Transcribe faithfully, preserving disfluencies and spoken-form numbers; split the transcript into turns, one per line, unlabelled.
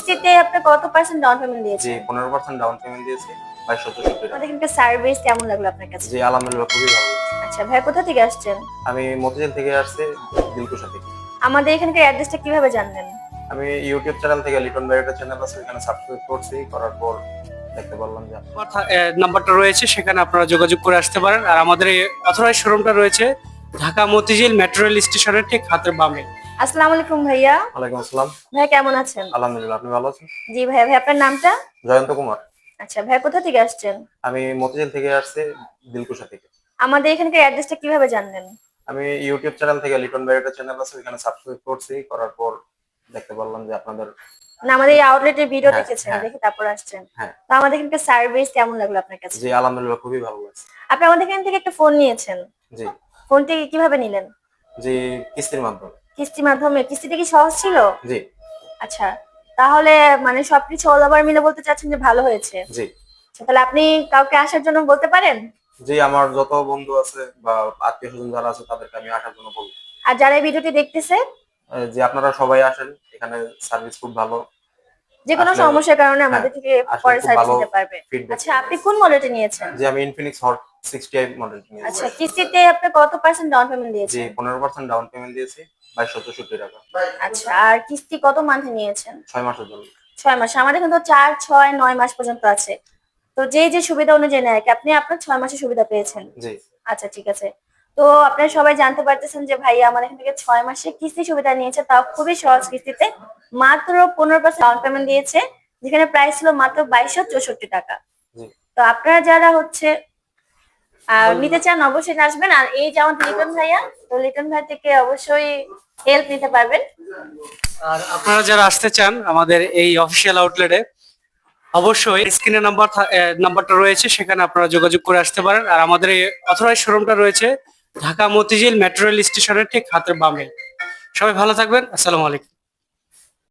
কিস্তিতে আপনি কত পার্সেন্ট ডাউন পেমেন্ট
জি
দিয়েছেন?
পনেরো পার্সেন্ট ডাউন পেমেন্ট দিয়েছি বাইশশো চৌষট্টি টাকা।
আমাদের এখানকার সার্ভিস কেমন লাগলো আপনার কাছে?
জি আলহামদুলিল্লাহ খুবই ভালো লাগছে।
আচ্ছা ভাইয়া কোথা থেকে আসছেন?
আমি মতিঝিল থেকে আসছি, দিলকুশা থেকে।
আমাদের এখানকার অ্যাড্রেসটা কিভাবে জানলেন?
আমি ইউটিউব চ্যানেল থেকে লিটন ভাইয়ের একটা চ্যানেল আছে, ওখানে সাবস্ক্রাইব করছি, করার পর দেখতে পারলাম যে
আমার থা- এ, নাম্বারটা রয়েছে, সেখানে আপনারা যোগাযোগ করে আসতে পারেন। আর আমাদের এই অথরাইজ শোরুমটা রয়েছে ঢাকা মতিঝিল মেট্রো রেল স্টেশনের ঠিক হাতের বামে।
আসসালামু আলাইকুম ভাইয়া।
ওয়ালাইকুম আসসালাম।
ভাইয়া কেমন আছেন?
আলহামদুলিল্লাহ, আপনি ভালো আছেন?
জি ভাইয়া, ভাই আপনার নামটা?
জয়ন্ত কুমার।
আচ্ছা ভাইয়া কোথা থেকে আসছেন?
আমি মতিঝিল থেকে আসছি, দিলকুশা থেকে।
আমাদের এখানকার অ্যাড্রেসটা কিভাবে জানলেন?
আমি ইউটিউব চ্যানেল থেকে লিটন ভাইয়ের একটা চ্যানেল আছে, ওখানে সাবস্ক্রাইব করছি, করার পর দেখতে পারলাম যে আপনাদের।
না আমাদের এই আউটলেটের ভিডিও
হ্যাঁ,
দেখেছেন,
হ্যাঁ।
দেখে তারপর আসছেন।
হ্যাঁ।
তো আমাদের এখানকার সার্ভিস কেমন লাগলো আপনার কাছে?
জি আলহামদুলিল্লাহ খুবই ভালো লাগছে।
আপনি আমাদের এখান থেকে একটা ফোন নিয়েছেন,
জি।
ফোনটি কিভাবে নিলেন?
জি কিস্তির মাধ্যমে।
কিস্তির মাধ্যমে? কিস্তিটা কি সহজ ছিল?
জি।
আচ্ছা, তাহলে মানে সবকিছু অল ওভার মিলে বলতে চাচ্ছেন যে ভালো হয়েছে।
জি।
আচ্ছা, তাহলে আপনি কাউকে আসার জন্য বলতে পারেন?
জি আমার যত বন্ধু আছে বা আত্মীয় স্বজন যারা আছে তাদেরকে আমি আসার জন্য বলবো।
আর যারা এই ভিডিওটি দেখতেছে,
আহ, যে আপনারা সবাই আসেন, এখানে সার্ভিস খুব ভালো।
যে কোনো
আসলে-
সমস্যার কারণে
হ্যাঁ,
আমাদের থেকে
আসলে
পরে
খুব
সার্ভিস
ভালো
নিতে পারবে।
feedback
আচ্ছা, আপনি কোন মডেলটা নিয়েছেন?
জি আমি Infinix hot sixty I model নিয়েছি।
আচ্ছা, কিস্তিতে আপনি কত পার্সেন্ট ডাউন পেমেন্ট
জি
দিয়েছেন?
পনেরো পার্সেন্ট ডাউন পেমেন্ট দিয়েছি বাইশশো চৌষট্টি টাকা।
আচ্ছা, আর কিস্তি কত মান্থে নিয়েছেন?
ছয় মাসের জন্য।
ছয় মাস। আমাদের কিন্তু চার ছয় নয় মাস পর্যন্ত আছে। তো যে যে সুবিধা অনুযায়ী নেয়, আপনি আপনার ছয় মাসের সুবিধা পেয়েছেন।
জি।
আচ্ছা ঠিক আছে। তো আপনারা সবাই জানতে পারতেছেন যে ভাইয়া আমাদের এখান থেকে ছয় মাসের কিস্তি সুবিধা নিয়েছে, তাও খুবই সহজ কিস্তিতে। মাত্র পনেরো পার্সেন্ট ডাউন পেমেন্ট দিয়েছে, যেখানে প্রাইস ছিল মাত্র বাইশশো চৌষট্টি টাকা।
জি।
তো আপনারা যারা হচ্ছে আহ নিতে চান অবশ্যই আসবেন। আর এই যেমন লিটন ভাইয়া, তো লিটন ভাই থেকে অবশ্যই হেল্প নিতে পারবেন।
আর আপনারা যারা আসতে চান আমাদের এই অফিসিয়াল আউটলেটে, অবশ্যই স্ক্রিনে নাম্বার নাম্বারটা রয়েছে, সেখানে আপনারা যোগাযোগ করে আসতে পারেন। আর আমাদের এই অথরাইজ শোরুমটা রয়েছে ঢাকা মতিঝিল মেট্রো রেল স্টেশনের ঠিক হাতের বামে। সবাই ভালো থাকবেন। আসসালামু আলাইকুম।